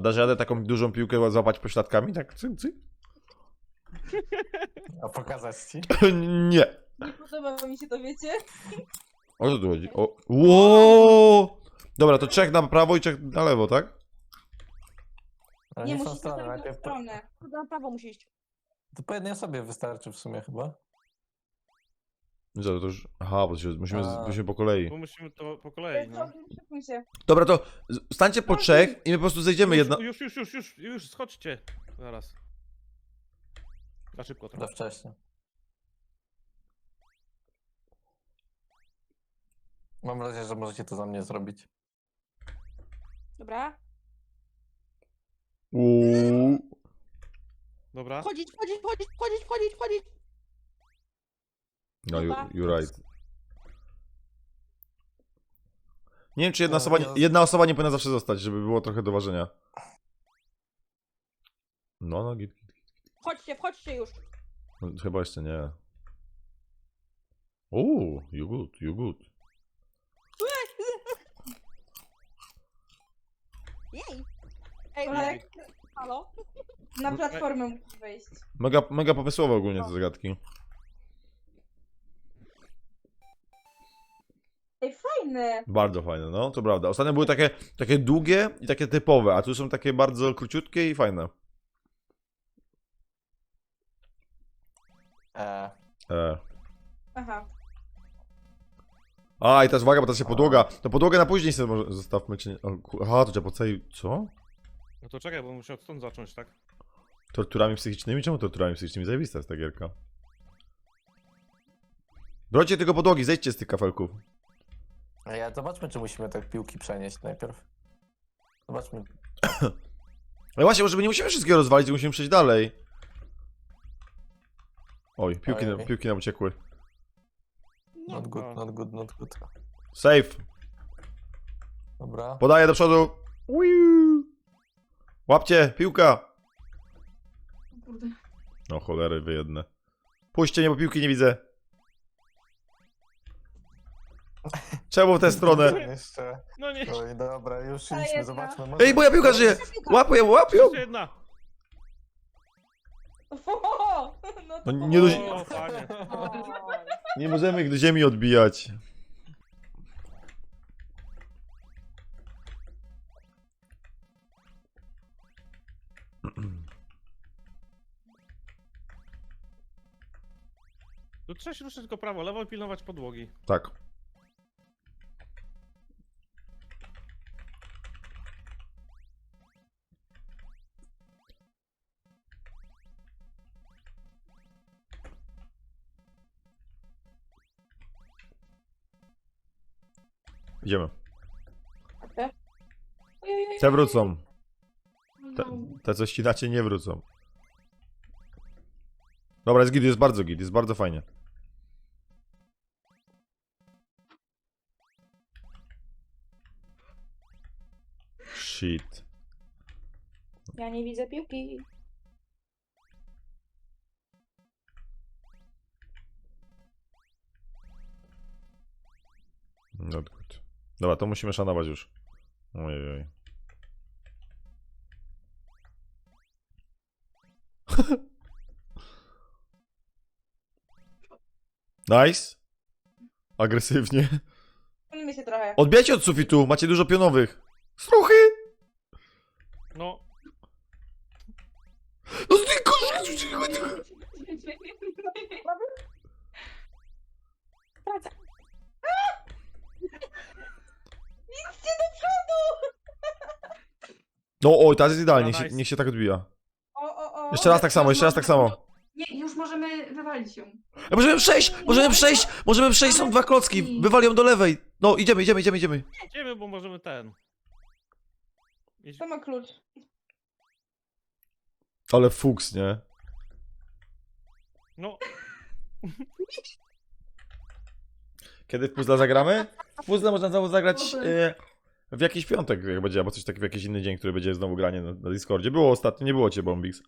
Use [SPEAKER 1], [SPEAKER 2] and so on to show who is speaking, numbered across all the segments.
[SPEAKER 1] dasz radę taką dużą piłkę złapać pośladkami? Tak, cyk, cyk?
[SPEAKER 2] A pokazać ci?
[SPEAKER 1] Nie.
[SPEAKER 3] Nie podoba mi się to, wiecie?
[SPEAKER 1] O co tu chodzi? O. Ło! Dobra, to 3 na prawo i 3 na lewo, tak?
[SPEAKER 2] Ale
[SPEAKER 3] Nie,
[SPEAKER 2] w tą
[SPEAKER 3] musisz
[SPEAKER 2] stronę,
[SPEAKER 3] na tę
[SPEAKER 2] najpierw
[SPEAKER 3] stronę. Na prawo musi iść.
[SPEAKER 2] to po jednej osobie wystarczy w sumie chyba.
[SPEAKER 1] Co, to już... Aha, bo musimy po kolei.
[SPEAKER 4] Bo musimy to po kolei, no.
[SPEAKER 3] Szykuj się.
[SPEAKER 1] Dobra, to stańcie po 3 i my po prostu zejdziemy jedna...
[SPEAKER 4] Już, schodźcie. Zaraz. Za szybko
[SPEAKER 2] Za
[SPEAKER 4] trochę.
[SPEAKER 2] wcześnie. Mam nadzieję, że możecie to za mnie zrobić.
[SPEAKER 3] Dobra.
[SPEAKER 1] Uuu.
[SPEAKER 4] Dobra.
[SPEAKER 3] Wchodzić.
[SPEAKER 1] No,
[SPEAKER 3] Dobra.
[SPEAKER 1] you're right. Nie wiem, czy
[SPEAKER 2] No,
[SPEAKER 1] jedna osoba nie powinna zawsze zostać, żeby było trochę do ważenia. No, git.
[SPEAKER 3] Wchodźcie już.
[SPEAKER 1] No, chyba jeszcze nie. You good.
[SPEAKER 3] Jej. Ej, Marek. Halo? Na platformę musisz wejść.
[SPEAKER 1] Mega pomysłowe ogólnie te zagadki.
[SPEAKER 3] Ej, fajne.
[SPEAKER 1] Bardzo fajne, no, to prawda. Ostatnio były takie długie i takie typowe, a tu są takie bardzo króciutkie i fajne.
[SPEAKER 3] Aha.
[SPEAKER 1] A, i teraz uwaga, bo teraz się podłoga. To podłogę na później sobie może zostawmy, czy nie? Aha, to trzeba po całej... Co?
[SPEAKER 4] No to czekaj, bo muszę stąd zacząć, tak?
[SPEAKER 1] Torturami psychicznymi? Czemu torturami psychicznymi? Zajebista jest ta gierka. Brocie tylko podłogi, zejdźcie z tych kafelków.
[SPEAKER 2] Zobaczmy, czy musimy te piłki przenieść najpierw. Zobaczmy.
[SPEAKER 1] Ale właśnie, może nie musimy wszystkiego rozwalić, musimy przejść dalej. Oj,
[SPEAKER 2] Ojej.
[SPEAKER 1] piłki nam uciekły.
[SPEAKER 3] Nie.
[SPEAKER 2] Not good.
[SPEAKER 1] Safe.
[SPEAKER 2] Dobra.
[SPEAKER 1] Podaję do przodu. Uiu. Łapcie, piłka.
[SPEAKER 3] Kurde.
[SPEAKER 1] No cholery wy jedne. Puśćcie mnie, bo piłki nie widzę. Czemu w tę stronę?
[SPEAKER 2] Jeszcze.
[SPEAKER 4] No nie,
[SPEAKER 2] Oj, dobra, już
[SPEAKER 3] Ta
[SPEAKER 2] idźmy,
[SPEAKER 3] jedna.
[SPEAKER 2] zobaczmy.
[SPEAKER 1] Ej, moja piłka żyje! Łapią ją!
[SPEAKER 4] jeszcze jedna.
[SPEAKER 3] O, no to
[SPEAKER 1] No nie do-
[SPEAKER 4] O, fajnie.
[SPEAKER 1] Nie możemy ich do ziemi odbijać.
[SPEAKER 4] Tu trzeba się ruszyć tylko prawo, lewo i pilnować podłogi.
[SPEAKER 1] Tak. Idziemy. Te wrócą. Te co ścinacie nie wrócą. Dobra, jest git, jest bardzo fajnie. Shit.
[SPEAKER 3] Ja nie widzę piłki.
[SPEAKER 1] Not good. Dobra, to musimy szanować już. Ojej. Nice. Agresywnie.
[SPEAKER 3] Chronimy się trochę.
[SPEAKER 1] Odbijajcie od sufitu, macie dużo pionowych. Struchy!
[SPEAKER 4] No,
[SPEAKER 1] No ty
[SPEAKER 3] Praca. Idźcie do przodu!
[SPEAKER 1] No oj, teraz jest idealnie,
[SPEAKER 4] Dobra, nice.
[SPEAKER 1] niech się tak odbija.
[SPEAKER 3] O.
[SPEAKER 1] Jeszcze raz tak samo, jeszcze raz tak samo.
[SPEAKER 5] Nie, już możemy wywalić ją.
[SPEAKER 1] Możemy przejść, są 2 klocki, wywalią do lewej. No, idziemy.
[SPEAKER 4] idziemy, bo możemy ten. Idź.
[SPEAKER 3] To ma klucz.
[SPEAKER 1] Ale fuks, nie?
[SPEAKER 4] No,
[SPEAKER 1] Kiedy w puzzle zagramy? W puzzle można znowu zagrać w jakiś piątek, jak będzie, albo coś takiego, w jakiś inny dzień, który będzie znowu granie na Discordzie. Było ostatnio, nie było cię, Bombix.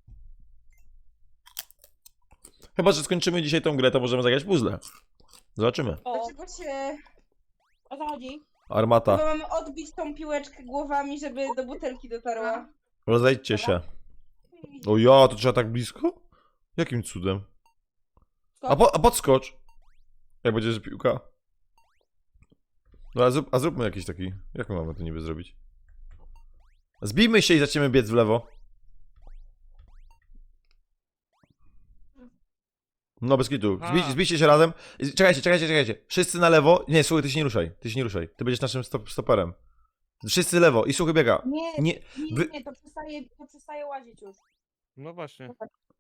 [SPEAKER 1] Chyba, że skończymy dzisiaj tą grę, to możemy zagrać w puzzle. Zobaczymy.
[SPEAKER 3] Dlaczego się... O co chodzi?
[SPEAKER 1] Armata.
[SPEAKER 3] Chyba mamy odbić tą piłeczkę głowami, żeby do butelki dotarła.
[SPEAKER 1] Rozejdźcie się. O ja, to trzeba tak blisko? Jakim cudem? A podskocz! Jak będzie, że piłka. No a zróbmy jakiś taki... Jak my mamy to niby zrobić? Zbijmy się i zaczniemy biec w lewo. No bez kitu. Zbijcie się razem. Czekajcie. Wszyscy na lewo. Nie, słuchaj, ty się nie ruszaj. Ty będziesz naszym stoperem. Wszyscy lewo i słuchaj biega. Nie, wy-
[SPEAKER 3] To przestaje łazić już.
[SPEAKER 4] No właśnie.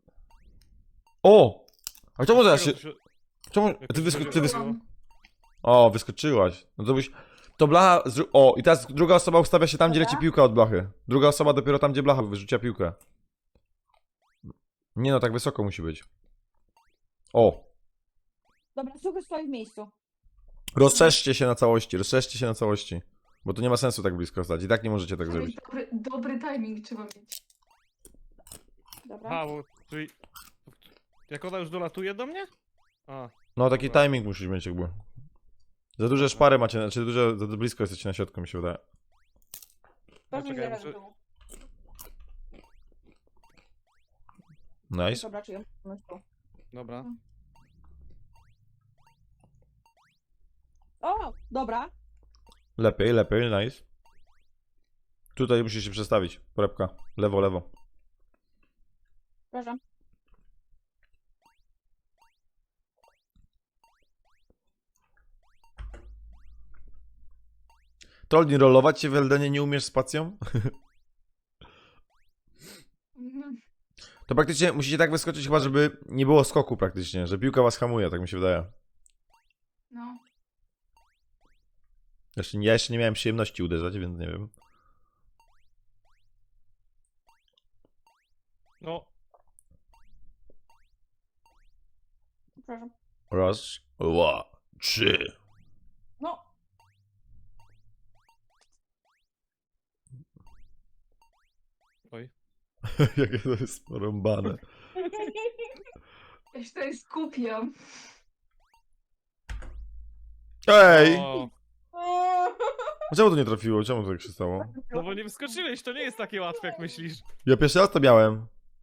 [SPEAKER 1] O! A czemu teraz się...
[SPEAKER 4] Dlaczego
[SPEAKER 1] Czemu...
[SPEAKER 4] Jak
[SPEAKER 1] Ty
[SPEAKER 4] to
[SPEAKER 1] wyskoczyłaś.
[SPEAKER 4] się
[SPEAKER 1] O, wyskoczyłaś. No to byś... To blacha... O, i teraz druga osoba ustawia się tam, gdzie leci piłka od blachy. Druga osoba dopiero tam, gdzie blacha wyrzucia piłkę. Nie no, tak wysoko musi być. O!
[SPEAKER 3] Dobra, suchy stoi w miejscu.
[SPEAKER 1] Rozszerzcie się na całości. Bo to nie ma sensu tak blisko stać. I tak nie możecie tak
[SPEAKER 5] Ej,
[SPEAKER 1] zrobić.
[SPEAKER 5] dobry timing trzeba mieć.
[SPEAKER 3] Dobra.
[SPEAKER 4] A, bo czyli... Jak ona już dolatuje do mnie? A,
[SPEAKER 1] No taki
[SPEAKER 4] Dobra.
[SPEAKER 1] timing musisz mieć jakby. Za duże szpary macie, znaczy za blisko jesteście na środku, mi się wydaje.
[SPEAKER 3] Ważne,
[SPEAKER 4] czekaj,
[SPEAKER 3] że
[SPEAKER 4] muszę-
[SPEAKER 3] tu.
[SPEAKER 1] Nice.
[SPEAKER 3] Dobra, czy ją tu.
[SPEAKER 4] dobra.
[SPEAKER 3] O, dobra.
[SPEAKER 1] Lepiej, nice. Tutaj musisz się przestawić. Porepka. Lewo.
[SPEAKER 3] Przepraszam.
[SPEAKER 1] Trollni, rollować się w Eldenie nie umiesz spacją?
[SPEAKER 5] Mhm.
[SPEAKER 1] To praktycznie musicie tak wyskoczyć chyba, żeby nie było skoku praktycznie, że piłka was hamuje, tak mi się wydaje.
[SPEAKER 5] No.
[SPEAKER 1] Ja jeszcze nie miałem przyjemności uderzać, więc nie wiem.
[SPEAKER 4] No,
[SPEAKER 3] Przepraszam.
[SPEAKER 1] Raz, dwa, trzy.
[SPEAKER 3] No.
[SPEAKER 4] oj.
[SPEAKER 1] Jakie to jest porąbane.
[SPEAKER 5] Ja się tutaj skupiam.
[SPEAKER 1] Ej!
[SPEAKER 4] O,
[SPEAKER 3] O.
[SPEAKER 1] Czemu to nie trafiło? Czemu to tak się stało?
[SPEAKER 4] no bo nie wyskoczyłeś, to nie jest takie łatwe jak myślisz.
[SPEAKER 1] Ja pierwszy raz to miałem.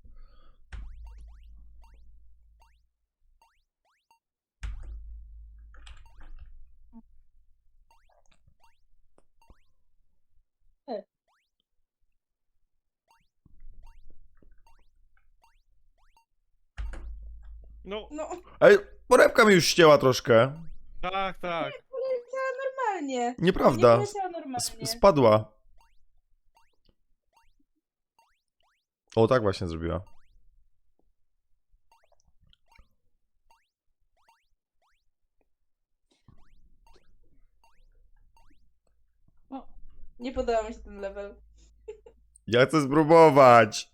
[SPEAKER 4] No,
[SPEAKER 3] No,
[SPEAKER 1] Ej, porepka mi już ścięła troszkę.
[SPEAKER 4] tak.
[SPEAKER 3] normalnie. Nie
[SPEAKER 1] Nieprawda.
[SPEAKER 3] poleciała normalnie.
[SPEAKER 1] Spadła. O, tak właśnie zrobiła.
[SPEAKER 3] Nie podoba mi się ten level.
[SPEAKER 1] Ja chcę spróbować.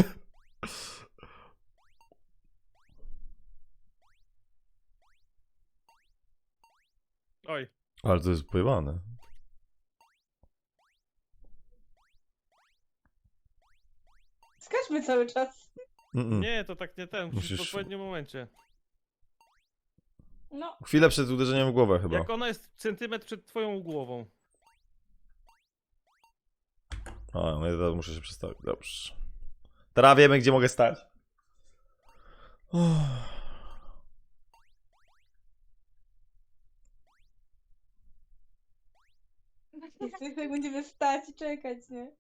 [SPEAKER 4] Oj,
[SPEAKER 1] Ale to jest pojebane.
[SPEAKER 3] Skaczmy cały czas.
[SPEAKER 4] nie, to tak nie ten, musisz w
[SPEAKER 1] Musisz-
[SPEAKER 4] odpowiednim momencie.
[SPEAKER 3] No.
[SPEAKER 1] Chwilę przed uderzeniem w głowę chyba.
[SPEAKER 4] Jak ona jest centymetr przed twoją głową.
[SPEAKER 1] A, no ja teraz muszę się przestawić. Dobrze. Teraz wiemy, gdzie mogę stać. Uff.
[SPEAKER 3] Jeszcze tak będziemy stać i czekać, nie?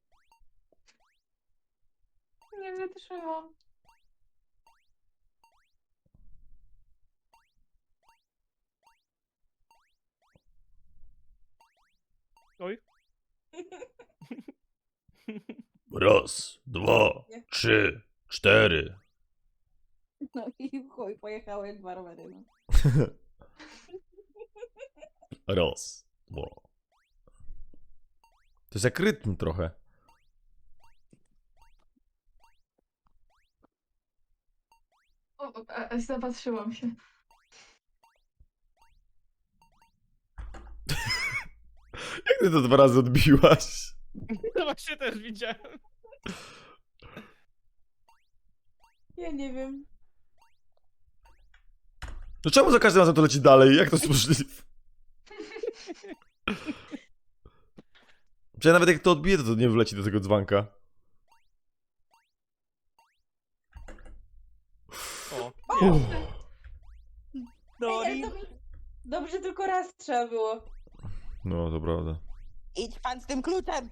[SPEAKER 5] Nie wytrzymam.
[SPEAKER 4] Oj.
[SPEAKER 1] Raz, dwa, trzy, cztery.
[SPEAKER 3] No i chuj, pojechały jak dwa rowery, no.
[SPEAKER 1] Raz, dwa. To jest jak rytm trochę.
[SPEAKER 5] Zapatrzyłam się.
[SPEAKER 1] Jak ty to 2 razy odbiłaś?
[SPEAKER 4] No właśnie też widziałem.
[SPEAKER 3] Ja nie wiem.
[SPEAKER 1] To czemu za każdym razem to leci dalej? Jak to jest możliwe? Przecież nawet jak to odbije, to nie wleci do tego dzbanka.
[SPEAKER 4] O,
[SPEAKER 1] Uff.
[SPEAKER 3] Ej, ale to dobrze, tylko raz trzeba było.
[SPEAKER 1] No, to prawda.
[SPEAKER 6] Idź pan z tym kluczem!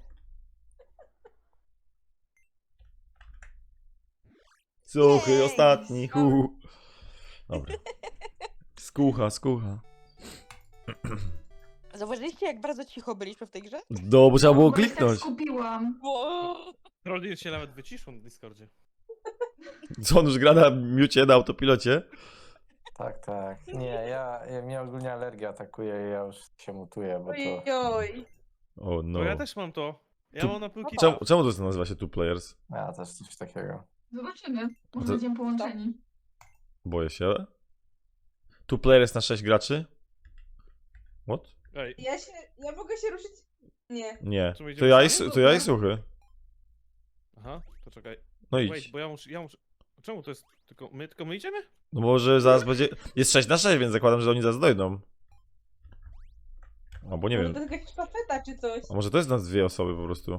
[SPEAKER 1] Suchy,
[SPEAKER 6] Jej,
[SPEAKER 1] ostatni. Dobra. Skucha.
[SPEAKER 6] Zauważyliście, jak bardzo cicho byliśmy w tej grze?
[SPEAKER 1] No, bo trzeba było
[SPEAKER 5] Bo się tak
[SPEAKER 1] kliknąć.
[SPEAKER 5] skupiłam.
[SPEAKER 4] Trollin się nawet wyciszą na Discordzie.
[SPEAKER 1] Co, on już gra na miucie, na autopilocie?
[SPEAKER 2] Tak. Nie, mnie ogólnie alergia atakuje i ja już się mutuję, bo to...
[SPEAKER 3] Ojoj.
[SPEAKER 1] O no.
[SPEAKER 4] No ja też mam to. Ja
[SPEAKER 1] Tu-
[SPEAKER 4] mam na piłki.
[SPEAKER 1] Czemu to nazywa się Two Players?
[SPEAKER 2] Ja też coś takiego.
[SPEAKER 5] Zobaczymy. Może
[SPEAKER 1] To-
[SPEAKER 5] będziemy połączeni.
[SPEAKER 1] Boję się. Two Players na 6 graczy? What?
[SPEAKER 4] Ej,
[SPEAKER 3] Ja mogę się ruszyć? Nie.
[SPEAKER 1] Nie.
[SPEAKER 4] Czy my
[SPEAKER 1] To
[SPEAKER 4] idziemy
[SPEAKER 1] ja
[SPEAKER 4] sami?
[SPEAKER 1] to ja i Suchy.
[SPEAKER 4] aha, to czekaj.
[SPEAKER 1] No
[SPEAKER 4] Wait,
[SPEAKER 1] idź.
[SPEAKER 4] bo ja muszę... Czemu to jest tylko my idziemy?
[SPEAKER 1] No może zaraz będzie... Jest 6 na 6, więc zakładam, że oni zaraz dojdą. Albo nie
[SPEAKER 3] Może
[SPEAKER 1] wiem.
[SPEAKER 3] to jest jakaś sztafeta czy coś.
[SPEAKER 1] A może to jest nas 2 osoby po prostu.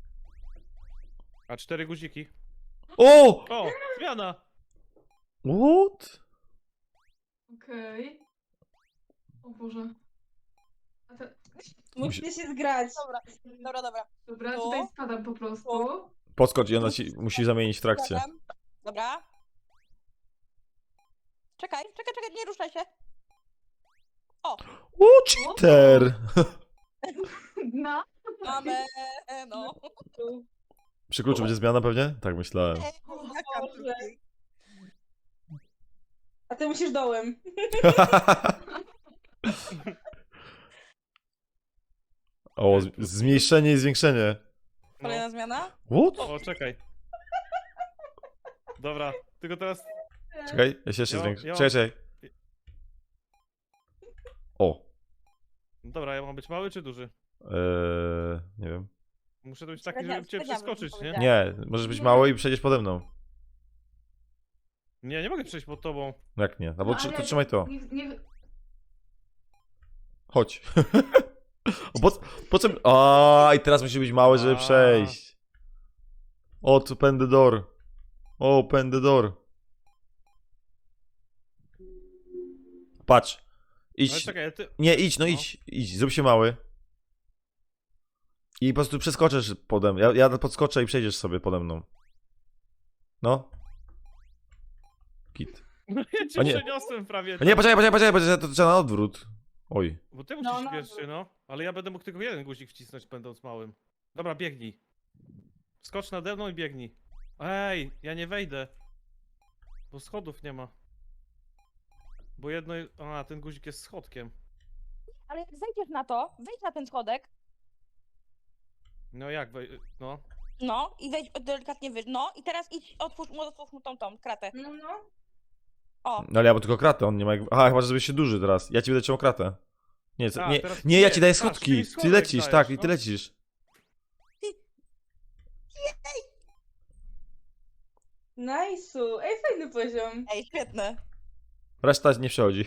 [SPEAKER 4] A 4 guziki.
[SPEAKER 1] O!
[SPEAKER 4] O, zmiana!
[SPEAKER 1] What?
[SPEAKER 5] Okej. O Boże. A te...
[SPEAKER 3] Musicie się zgrać.
[SPEAKER 6] Dobra.
[SPEAKER 5] Dobra,
[SPEAKER 6] To?
[SPEAKER 5] tutaj spadam po prostu.
[SPEAKER 1] Podskocz i ona ci musi zamienić w trakcie.
[SPEAKER 6] Zgadam. Dobra. Czekaj, nie ruszaj się.
[SPEAKER 1] O, cheater!
[SPEAKER 5] No.
[SPEAKER 6] Mamy, no.
[SPEAKER 1] Przy kluczu będzie zmiana pewnie? Tak myślałem.
[SPEAKER 6] Jaka
[SPEAKER 3] Boże. A ty musisz dołem.
[SPEAKER 1] O, zmniejszenie i zwiększenie.
[SPEAKER 6] Kolejna zmiana?
[SPEAKER 1] What?
[SPEAKER 4] O, czekaj. Dobra, tylko teraz...
[SPEAKER 1] Czekaj, ja się jeszcze
[SPEAKER 4] Ja-
[SPEAKER 1] zwiększę.
[SPEAKER 4] ja-
[SPEAKER 1] Czekaj. O.
[SPEAKER 4] Dobra, ja mam być mały czy duży?
[SPEAKER 1] Nie wiem.
[SPEAKER 4] Muszę być taki,
[SPEAKER 6] Średnia-
[SPEAKER 4] żeby cię
[SPEAKER 6] średnia
[SPEAKER 4] przeskoczyć,
[SPEAKER 6] bym
[SPEAKER 4] nie?
[SPEAKER 6] powiedziała.
[SPEAKER 1] Nie, możesz być mały i przejdziesz pode mną.
[SPEAKER 4] Nie mogę przejść pod tobą.
[SPEAKER 1] No jak nie? Albo
[SPEAKER 5] No, ale
[SPEAKER 1] to trzymaj to.
[SPEAKER 5] Nie...
[SPEAKER 1] Chodź. O, po co... A, i teraz musi być mały, żeby
[SPEAKER 4] A.
[SPEAKER 1] przejść. Open the door. Open the door. Patrz.
[SPEAKER 4] Ale
[SPEAKER 1] Idź.
[SPEAKER 4] czekaj, ty...
[SPEAKER 1] Nie, idź, no
[SPEAKER 4] No.
[SPEAKER 1] idź. Zrób się mały. I po prostu przeskoczysz pode mną. Ja podskoczę i przejdziesz sobie pode mną. No. Git.
[SPEAKER 4] No ja cię
[SPEAKER 1] O nie.
[SPEAKER 4] przeniosłem prawie.
[SPEAKER 1] A nie, poczekaj, to trzeba na odwrót. Oj.
[SPEAKER 4] Bo ty
[SPEAKER 3] No,
[SPEAKER 4] musisz
[SPEAKER 3] no.
[SPEAKER 4] pierwszy, no. Ale ja będę mógł tylko jeden guzik wcisnąć, będąc małym. Dobra, biegnij. Skocz nade mną i biegnij. Ej, ja nie wejdę. Bo schodów nie ma. Bo jedno... A, ten guzik jest schodkiem.
[SPEAKER 6] Ale jak zejdziesz na to, wejdź na ten schodek,
[SPEAKER 4] No jak no.
[SPEAKER 6] no, i wejdź delikatnie wyżej, no, i teraz idź, otwórz mu tą kratę.
[SPEAKER 3] No.
[SPEAKER 6] O,
[SPEAKER 1] No ale ja mam tylko kratę, on nie ma jak... Aha, chyba, że zrobisz się duży teraz. Ja ci będę trzymał kratę. Nie,
[SPEAKER 4] A,
[SPEAKER 1] nie,
[SPEAKER 4] teraz
[SPEAKER 1] nie, ja
[SPEAKER 4] nie,
[SPEAKER 1] ci daję
[SPEAKER 4] patrz, ty
[SPEAKER 1] schodki.
[SPEAKER 4] mi
[SPEAKER 1] Ty
[SPEAKER 4] schodek
[SPEAKER 1] lecisz,
[SPEAKER 4] dajesz,
[SPEAKER 1] tak, i ty
[SPEAKER 4] no.
[SPEAKER 1] lecisz.
[SPEAKER 3] Nice'u. Ej, fajny poziom.
[SPEAKER 6] ej, świetne.
[SPEAKER 1] Reszta nie przechodzi.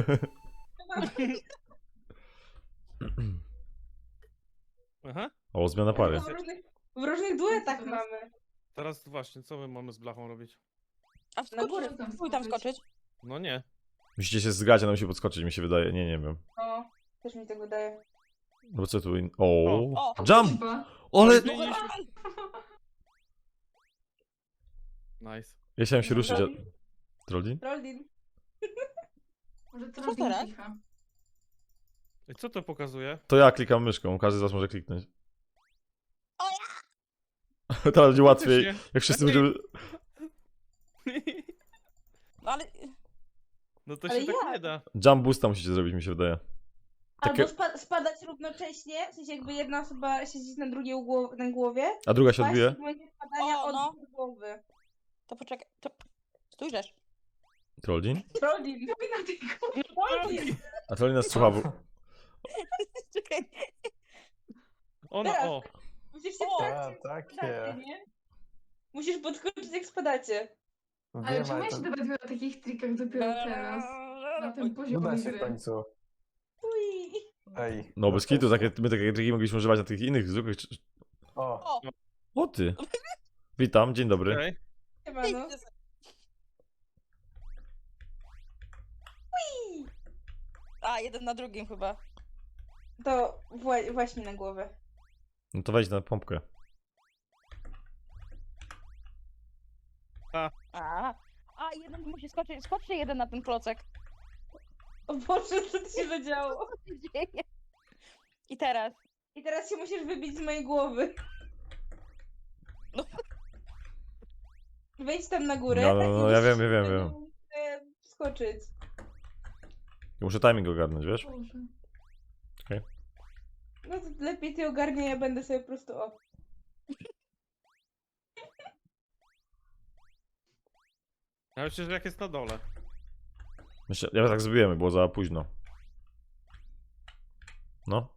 [SPEAKER 4] Aha.
[SPEAKER 1] O, zmiana pary.
[SPEAKER 3] W różnych duetach mamy.
[SPEAKER 4] Teraz właśnie, co my mamy z blachą robić?
[SPEAKER 6] A
[SPEAKER 3] Na
[SPEAKER 6] wskocz,
[SPEAKER 3] górę
[SPEAKER 6] spróbuj tam skoczyć.
[SPEAKER 4] No nie.
[SPEAKER 1] Musicie się zgrać, a nam się podskoczyć, mi się wydaje. Nie wiem.
[SPEAKER 3] No, też mi tak wydaje.
[SPEAKER 1] No bo co tu... O.
[SPEAKER 6] O,
[SPEAKER 1] Jump!
[SPEAKER 5] Chyba.
[SPEAKER 1] Ale...
[SPEAKER 4] Zmieniliśmy. Nice.
[SPEAKER 1] Ja chciałem się ruszyć, a...
[SPEAKER 3] Trollin?
[SPEAKER 1] Trollin?
[SPEAKER 3] Trollin.
[SPEAKER 5] Może to
[SPEAKER 6] Co
[SPEAKER 5] robi
[SPEAKER 6] teraz?
[SPEAKER 5] cicha.
[SPEAKER 4] I co to pokazuje?
[SPEAKER 1] To ja klikam myszką, każdy z was może kliknąć.
[SPEAKER 6] O
[SPEAKER 1] Teraz będzie łatwiej,
[SPEAKER 4] Faktycznie.
[SPEAKER 1] jak wszyscy
[SPEAKER 4] Lepiej.
[SPEAKER 1] będziemy...
[SPEAKER 6] no ale,
[SPEAKER 4] No to
[SPEAKER 3] Ale
[SPEAKER 4] się tak
[SPEAKER 3] jak?
[SPEAKER 4] nie da.
[SPEAKER 1] Jump boosta musicie zrobić, mi się wydaje. Takie-
[SPEAKER 3] Albo spadać równocześnie, w sensie jakby jedna osoba siedzieć na drugiej na głowie.
[SPEAKER 1] A druga się
[SPEAKER 3] Paść
[SPEAKER 1] odbije?
[SPEAKER 3] w momencie spadania
[SPEAKER 6] O,
[SPEAKER 3] od
[SPEAKER 6] no.
[SPEAKER 3] głowy.
[SPEAKER 6] to poczekaj, to... Stójrzesz.
[SPEAKER 1] Trollin?
[SPEAKER 3] Trollin.
[SPEAKER 5] Na tej górze.
[SPEAKER 3] Trollin.
[SPEAKER 1] A Trollin nas słucha, bo...
[SPEAKER 6] Czekaj.
[SPEAKER 4] Ona,
[SPEAKER 3] Teraz.
[SPEAKER 4] o.
[SPEAKER 3] Musisz się
[SPEAKER 6] O,
[SPEAKER 3] w trakcie
[SPEAKER 2] takie.
[SPEAKER 3] spadacie, nie? Musisz podskoczyć jak spadacie.
[SPEAKER 5] Ale
[SPEAKER 2] Wiem,
[SPEAKER 5] czemu ja
[SPEAKER 2] to
[SPEAKER 5] się dowiaduję o takich trikach dopiero teraz? Na tym poziomie
[SPEAKER 2] uda się w
[SPEAKER 5] gry.
[SPEAKER 2] końcu.
[SPEAKER 3] Ui.
[SPEAKER 2] Ej.
[SPEAKER 1] No bez kitu, my takie triki mogliśmy używać na tych innych zwykłych...
[SPEAKER 2] O,
[SPEAKER 1] O ty! Witam, dzień dobry.
[SPEAKER 4] Okej.
[SPEAKER 3] Siemano.
[SPEAKER 6] A, jeden na drugim chyba.
[SPEAKER 3] To właśnie na głowę.
[SPEAKER 1] No to wejdź na pompkę.
[SPEAKER 6] A, jeden musi skoczyć. Skoczy jeden na ten klocek.
[SPEAKER 3] O Boże, co tu się zadziało?
[SPEAKER 6] Co się dzieje? I teraz.
[SPEAKER 3] I teraz się musisz wybić z mojej głowy.
[SPEAKER 6] No.
[SPEAKER 3] Wejdź tam na górę.
[SPEAKER 1] No,
[SPEAKER 3] i
[SPEAKER 1] ja
[SPEAKER 3] musisz
[SPEAKER 1] wiem.
[SPEAKER 3] skoczyć.
[SPEAKER 1] Muszę timing ogarnąć, wiesz?
[SPEAKER 5] Boże.
[SPEAKER 3] No to lepiej ty ogarnie, ja będę sobie po prostu
[SPEAKER 4] Ja myślę, że jak jest na dole.
[SPEAKER 1] Myślę, ja tak zrobiłem, było za późno. No.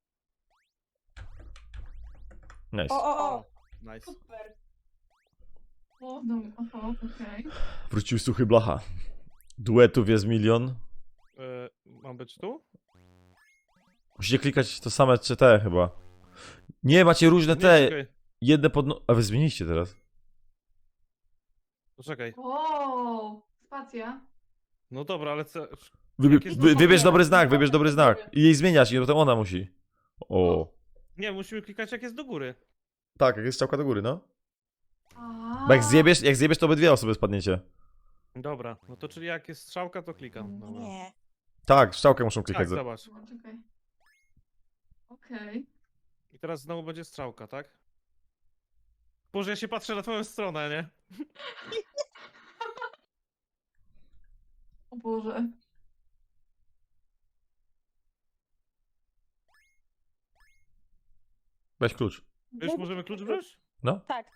[SPEAKER 1] Nice.
[SPEAKER 3] O.
[SPEAKER 4] Nice.
[SPEAKER 3] Super.
[SPEAKER 5] O, no, oho, okej.
[SPEAKER 1] Wrócił suchy blacha. Duetów jest milion.
[SPEAKER 4] Mam być tu?
[SPEAKER 1] Musicie klikać to same czy te chyba. Nie, macie różne
[SPEAKER 4] Nie,
[SPEAKER 1] te.
[SPEAKER 4] czekaj.
[SPEAKER 1] Jedne A wy zmieniliście teraz.
[SPEAKER 4] Poczekaj.
[SPEAKER 5] O, spacja.
[SPEAKER 4] No dobra, ale co...
[SPEAKER 1] Wybie-
[SPEAKER 4] Jak jest
[SPEAKER 1] wy- wybierz
[SPEAKER 5] dobra.
[SPEAKER 1] dobry znak, wybierz dobry znak. I jej zmieniać, i to ona musi. O.
[SPEAKER 4] Nie, musimy klikać jak jest do góry.
[SPEAKER 1] Tak, jak jest strzałka do góry, no.
[SPEAKER 5] A.
[SPEAKER 1] Bo jak zjebiesz, to obydwie osoby spadniecie.
[SPEAKER 4] Dobra, no to czyli jak jest strzałka, to klikam. Dobra.
[SPEAKER 6] Nie.
[SPEAKER 1] Tak, w strzałkę muszą
[SPEAKER 4] Tak,
[SPEAKER 1] klikać.
[SPEAKER 4] zobacz.
[SPEAKER 5] O, czekaj. Okej.
[SPEAKER 4] I teraz znowu będzie strzałka, tak? Boże, ja się patrzę na twoją stronę, nie?
[SPEAKER 5] O Boże.
[SPEAKER 1] Weź klucz.
[SPEAKER 4] Wiesz, możemy klucz wziąć?
[SPEAKER 1] No.
[SPEAKER 6] Tak.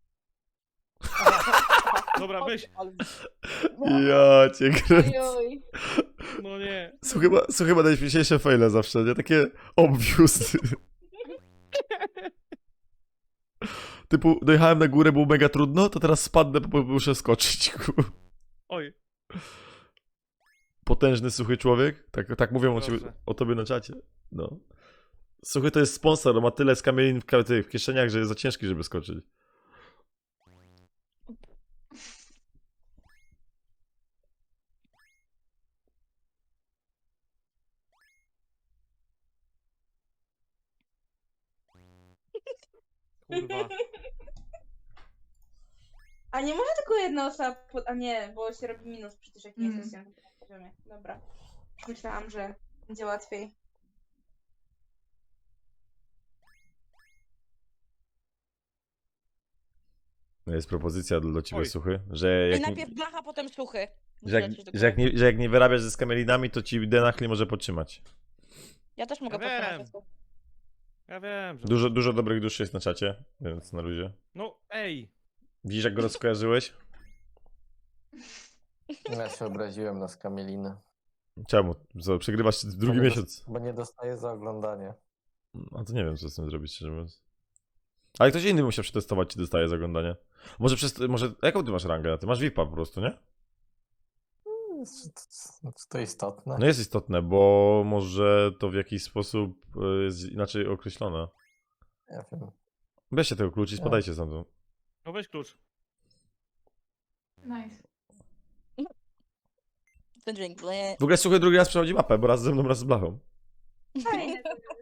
[SPEAKER 4] Dobra, weź.
[SPEAKER 1] Ja cię kręcę.
[SPEAKER 3] Ojoj.
[SPEAKER 4] No nie.
[SPEAKER 1] Są chyba najśmieszniejsze faile zawsze, nie? Takie obvious. Typu, dojechałem na górę, było mega trudno, to teraz spadnę, bo muszę skoczyć.
[SPEAKER 4] Oj.
[SPEAKER 1] Potężny, suchy człowiek. Tak mówią
[SPEAKER 4] Proszę.
[SPEAKER 1] o tobie na czacie. No. Suchy to jest sponsor, on ma tyle skamielin w kieszeniach, że jest za ciężki, żeby skoczyć.
[SPEAKER 4] Kurwa.
[SPEAKER 3] A nie może tylko jedna osoba... A nie, bo się robi minus przecież jak nie
[SPEAKER 5] Mm.
[SPEAKER 3] jesteś na tym poziomie. Dobra. Myślałam, że będzie łatwiej.
[SPEAKER 1] Jest propozycja do ciebie,
[SPEAKER 4] Oj.
[SPEAKER 1] Suchy, że
[SPEAKER 6] I
[SPEAKER 1] jak, nie,
[SPEAKER 6] najpierw blacha, potem suchy.
[SPEAKER 1] że jak nie wyrabiasz ze skamelinami, to ci Denachli może podtrzymać.
[SPEAKER 6] Ja też mogę
[SPEAKER 4] Ja wiem.
[SPEAKER 6] podtrzymać.
[SPEAKER 4] Ja wiem, że...
[SPEAKER 1] Dużo dobrych duszy jest na czacie, więc na luzie.
[SPEAKER 4] No, ej.
[SPEAKER 1] Widzisz, jak go rozkojarzyłeś?
[SPEAKER 2] ja się obraziłem na skamielinę.
[SPEAKER 1] Czemu? Przegrywasz drugi
[SPEAKER 2] Bo nie
[SPEAKER 1] miesiąc.
[SPEAKER 2] Bo nie dostaję za oglądanie.
[SPEAKER 1] A to nie wiem, co z tym zrobić, szczerze mówiąc. Ale ktoś inny musiał przetestować, czy dostaje za oglądanie. Może jaką ty masz rangę? Ty masz VIP-a po prostu, nie?
[SPEAKER 2] Czy to istotne?
[SPEAKER 1] No jest istotne, bo może to w jakiś sposób jest inaczej określone.
[SPEAKER 2] Ja wiem.
[SPEAKER 1] Weźcie tego klucz i spadajcie stamtąd.
[SPEAKER 4] No weź klucz.
[SPEAKER 5] Nice.
[SPEAKER 6] Ten dźwięk. ble.
[SPEAKER 1] W ogóle Suchy drugi raz przechodzi mapę, bo raz ze mną, raz z Blachą.
[SPEAKER 3] Fajne to jest.